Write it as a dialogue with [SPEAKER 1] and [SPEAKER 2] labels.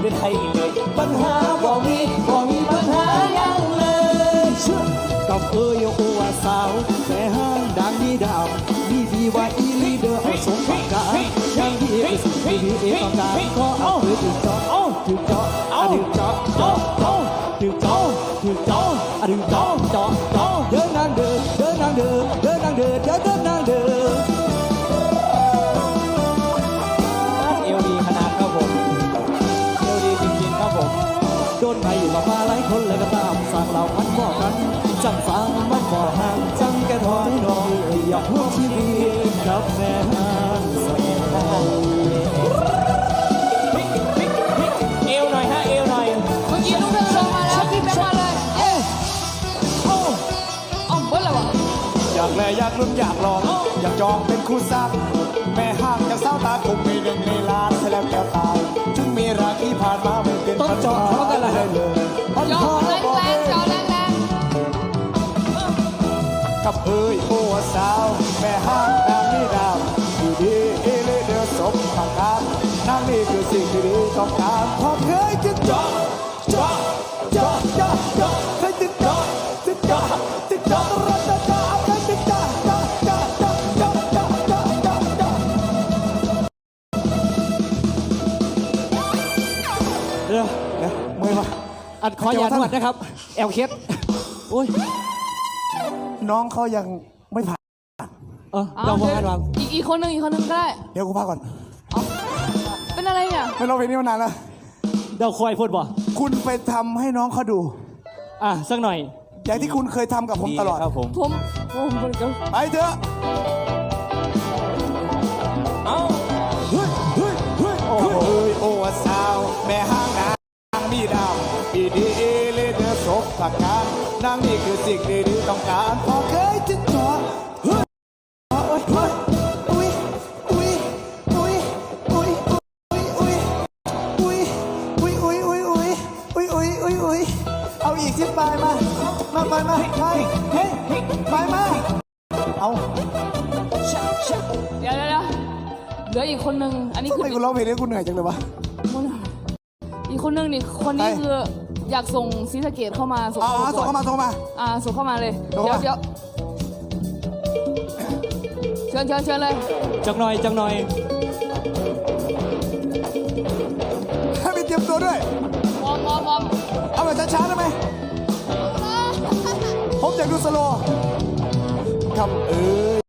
[SPEAKER 1] เป็นไทยเลยปัญหาบ่มีปัญหายังเลยกับโอว่าสาวแต่ห้างดังมีดาวมีดีว่าอีลีเดอร์เอาสมประการยังดีเอสดีเอต้องการก็เอาถือเจาะถือเจาะถือเจาะถือเจาะถือเจาะถือเจาะเจาะเดินนางเดินเดินนางเดินเดินนางเดินเดินนางเดินเอวดีขนาดครับผมเอวดีจริงๆครับผมโดนใครอยู่มาหลายคนเลยก็ตามสั่งเราพันบ่อกันจังฟังมันบ่อห่างจังแกถอยหน่อยอยากพูดชีวิตกับแม่ห้างสวยเอวหน่อยฮะเอวหน่อย
[SPEAKER 2] เมื่อกี้ลูกเธอลงมาแล้วพี่แบงค์มาเลยเอ๊ะเอาเบิ้ลอะไรวะ
[SPEAKER 3] อยากแลอยากลุ้นอยากลองอยากจองเป็นคู่ซักแม่ห้างจะเศร้าตาคงมีหนึ่งในล้านให้แล้วแก้วตายถึงมีรักที่ผ่านมาไม่เป็น
[SPEAKER 1] ต้องจอดเขากันเลย
[SPEAKER 2] จอแรงจอแรง
[SPEAKER 3] กับเอ้ยโอ้สาวแม่ห้างนางนี่ดาวดีดีเอเลเดือสมผักกาดนางนี่คือสิ่งที่ดีต้องการพอเคยจึงจอเคยจึงจอรัตจอเคยจึงจอเมื่อยปะ
[SPEAKER 1] อัดคอยาหนวดนะครับแอลเคสโอ้ย
[SPEAKER 3] น้องเขายังไม่ผ่าน
[SPEAKER 1] เราพอกันวาง
[SPEAKER 2] อีกคนหนึ่งก็ได้
[SPEAKER 3] เดี๋ยวกูพักก่อน
[SPEAKER 2] เป็นอะไรเนี่ย
[SPEAKER 3] ไม่ร้องเพลงนี้มานานแล้ว
[SPEAKER 1] เดาคอยพูดบ่
[SPEAKER 3] คุณไปทำให้น้องเขาดู
[SPEAKER 1] สักหน่อย
[SPEAKER 3] อย่างที่คุณเคยทำกับผมตลอด
[SPEAKER 1] ครับผม
[SPEAKER 3] ไปเถอะโอ้สาวแม่ห้างนางมีดาวปีดีเลเดอร์ศพผักกาดนางนี่คือสิ่งดีๆต้องการพอเคยจึงจอเอาอีกสิไปมาเอา
[SPEAKER 2] เดี๋ยวเหลืออีกคนหนึ่งอันนี้คือ
[SPEAKER 3] ทำไมกูร้องเพลงนี้กูเหนื่อยจังเลยวะ
[SPEAKER 2] อีกคนหนึ่งนี่คนนี้คืออยากส่งศรีสะเกษเข้ามาส่ง
[SPEAKER 3] เข้ามา
[SPEAKER 2] ส่งเข้ามาเลยเดี๋ยวเชิญเลย
[SPEAKER 1] จังหน่อย
[SPEAKER 3] ให้ไปเตรียมตัวด้วย
[SPEAKER 2] วอร์ม
[SPEAKER 3] เอาแบบช้าๆได้ไหมผมอยากดูสโลว์กับ